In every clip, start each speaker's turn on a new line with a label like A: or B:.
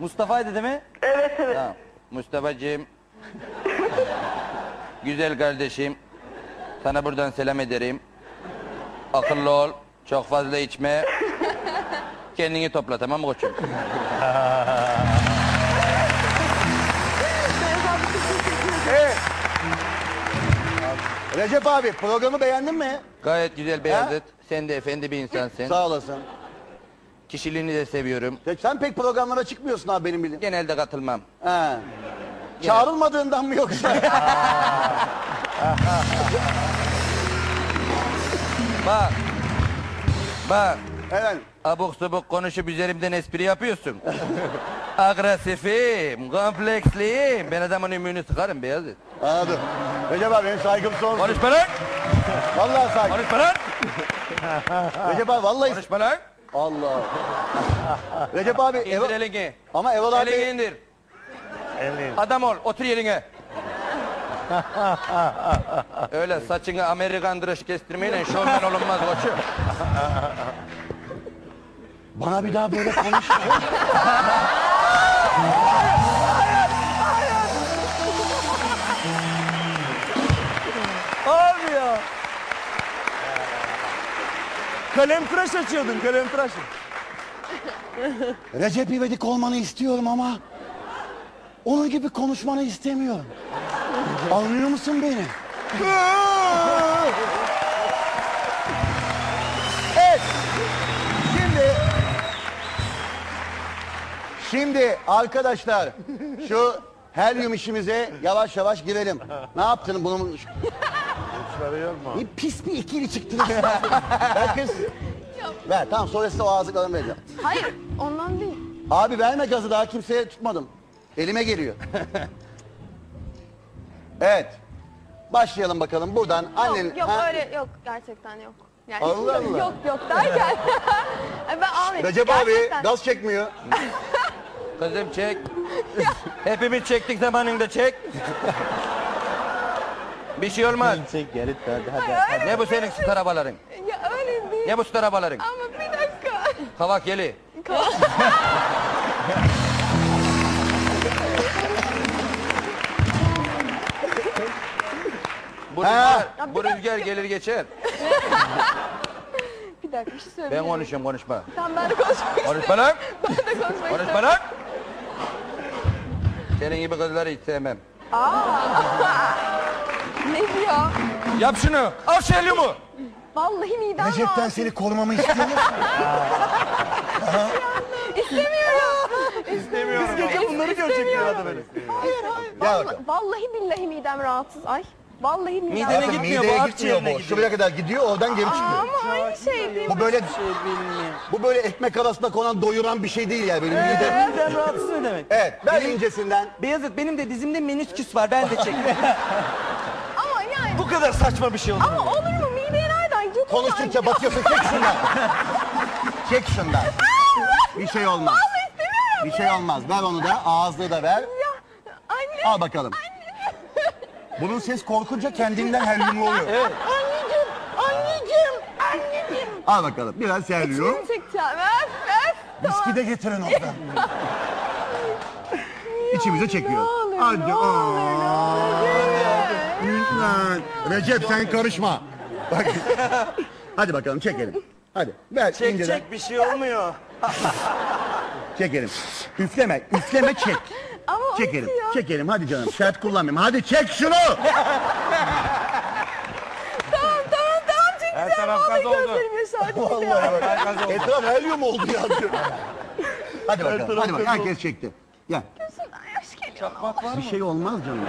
A: Mustafa'ydı değil mi?
B: Evet evet.
A: Tamam. Mustafa'cığım. Güzel kardeşim. Sana buradan selam ederim. Akıllı ol. Çok fazla içme. Kendini topla, tamam mı koçum?
C: Evet. Recep abi programı beğendin mi?
A: Gayet güzel Beyazıt. Sen de efendi bir insansın.
C: Sağ olasın.
A: Kişiliğini de seviyorum.
C: Sen pek programlara çıkmıyorsun abi benim bildiğim.
A: Genelde katılmam.
C: He. Çağrılmadığından mı yoksa?
A: Bak. Bak.
C: Evet.
A: Abuk subuk konuşup üzerimden espri yapıyorsun. Agresifim, kompleksliyim. Ben adamın ümüğünü sıkarım Beyazıt.
C: Anladım. Recep abi benim saygım sonsuz.
A: Konuşma lan!
C: Vallahi saygım.
A: Konuşma lan!
C: Recep abi vallahi...
A: Konuşma lan!
C: Allah. Recep abi...
A: İndir elini.
C: Ama Erol abi...
A: Elini indir. Adam ol, otur yerine. Öyle saçını Amerikan dışı kestirmeyle şovmen olunmaz koçum.
C: Bana bir daha böyle konuş.
D: Abi ya. Kalem tıraş açıyordun, kalem tıraş.
C: Recep İvedik olmanı istiyorum ama... onun gibi konuşmanı istemiyorum. Anlıyor musun beni? Evet. Şimdi arkadaşlar şu helyum işimize yavaş yavaş girelim. Ne yaptın bunu? Bir pis bir ikili çıktınız. Ver kız. Ver tamam sonra size o ağızlıklarını vereceğim.
E: Hayır, ondan değil.
C: Abi verme gazı daha kimseye tutmadım. Elime geliyor. Evet. Başlayalım bakalım buradan annen...
E: Yok, yok
C: Ha?
E: öyle yok. Gerçekten yok. Yani
C: Allah Allah.
E: Yok, yok derken. Ben almayayım.
C: Recep
E: Gerçekten.
C: abi gaz çekmiyor.
A: Kızım çek. Hepimiz çektik zamanında çek. Bir şey olmaz.
D: Çek geri hadi.
E: Öyle
A: Ne bu senin süt arabaların?
E: Ya öyle değil.
A: Ne bu süt arabaların?
E: Ama bir dakika.
A: Kavak yeli. Bu
C: Ha.
A: rüzgar, bu rüzgar gelir geçer.
E: Bir dakika bir şey
A: Ben
E: söyleyeyim.
A: konuşuyorum, konuşma.
E: Tamam ben de konuşmak istiyorum.
A: Konuşma lan!
E: Ben de konuşmak
A: Konuşma
E: istiyorum.
A: lan! Senin gibi kızları hiç sevmem.
E: Ne diyor?
A: Yap şunu! Al şu helyumu!
E: Vallahi midem
C: Recep'ten
E: rahatsız.
C: seni korumamı istiyor musun?
E: İstemiyorum.
D: Biz gece bunları görecek bir adam öyle.
C: Gel bakalım.
E: Vallahi billahi midem rahatsız. Ay. Vallahi midem
A: Midene
E: rahatsız.
A: git- gitmiyor,
C: Mideye
A: bu
C: gitmiyor
A: akciğerine
C: bu.
A: gidiyor.
C: Şuraya kadar gidiyor oradan geri çıkıyor.
E: Ama aynı şey değil mi?
C: Bu böyle bu böyle ekmek arasında konan doyuran bir şey değil yani böyle mide.
D: Midem rahatsız ne demek?
C: Evet ver incesinden.
D: Beyazıt benim de dizimde menisküs var ben de çektim.
E: Ama yani.
D: Bu kadar saçma bir şey olur.
E: Ama olur mu? Mideye nereden gidiyor?
C: Konuştukça batıyorsun çek şundan. Çek şundan. Bir şey olmaz.
E: Vallahi istemiyorum.
C: Bir şey olmaz. Ver onu da ağızlığı da ver.
E: Ya anne.
C: Al bakalım. Bunun ses korkunca kendinden helyumlu oluyor.
D: Evet.
E: Anneciğim. Anneciğim. Anneciğim.
C: Al bakalım biraz helyum.
E: Şunu çekeceğim. Ver.
C: Viski de getirin oradan. İçimize çekiyor.
E: Ne olur,
C: Hadi.
E: ne olur, ne olur.
C: Lütfen. Recep sen karışma. Bak. Hadi bakalım çekelim. Hadi ver
D: Çek
C: inceden.
D: çek bir şey olmuyor.
C: Çekelim. Üfleme. Üfleme çek.
E: Ama o
C: Çekelim.
E: bitiyor.
C: Çekelim hadi canım. Sert kullanmayayım. Hadi çek şunu.
E: Tamam çekeceğim.
A: Her taraf
E: Vallahi
A: gaz oldu.
E: gözlerim yaşardı.
C: Vallahi bak. Etraf helyum oldu ya. Hadi bakalım. Hadi bakalım. Herkes çekti. Gel.
E: Gözümden yaş geliyor.
C: Bir şey olmaz canım.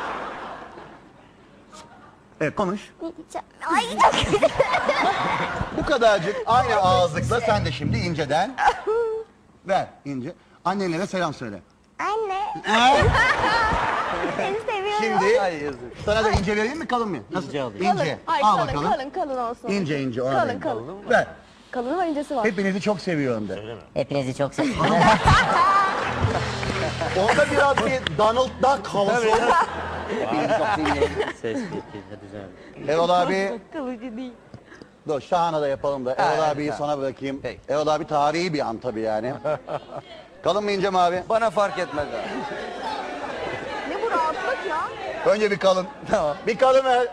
C: Evet konuş.
E: Ay çok güzel.
C: Bu kadarcık aynı ağızlıkla sen de şimdi inceden. Ver ince. Annenlere selam söyle.
E: Anne. Seni seviyorum.
C: Şimdi
D: Ay yazık.
C: sana da ince vereyim mi kalın mı? Nasıl?
D: İnce alayım.
C: İnce.
E: Ay
C: Al
E: kalın,
C: bakalım.
E: kalın olsun.
C: İnce ona
E: Kalın
C: vereyim.
E: kalın.
C: Ver.
E: Kalın var incesi var.
C: Hepinizi çok seviyorum de.
F: Hepinizi çok seviyorum.
C: Orada biraz bir Donald Duck havası olur. Hepinizi çok seviyorum.
F: Ses getir hadi canım.
C: Erol abi.
E: Kalıcı değil.
C: Dur Şahan'a da yapalım da Erol
A: Ha,
C: abiyi
A: ha.
C: sana bırakayım.
A: Peki.
C: Erol abi tarihi bir an tabii yani. Kalın mı ince mi abi?
A: Bana fark etmez abi.
E: Ne bu rahatlık ya?
C: Önce bir kalın.
A: Tamam.
C: Bir kalın ver.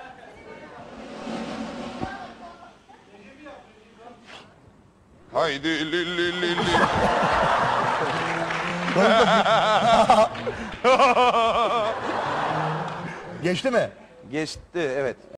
B: Haydi li li li li.
C: Geçti mi?
A: Geçti evet.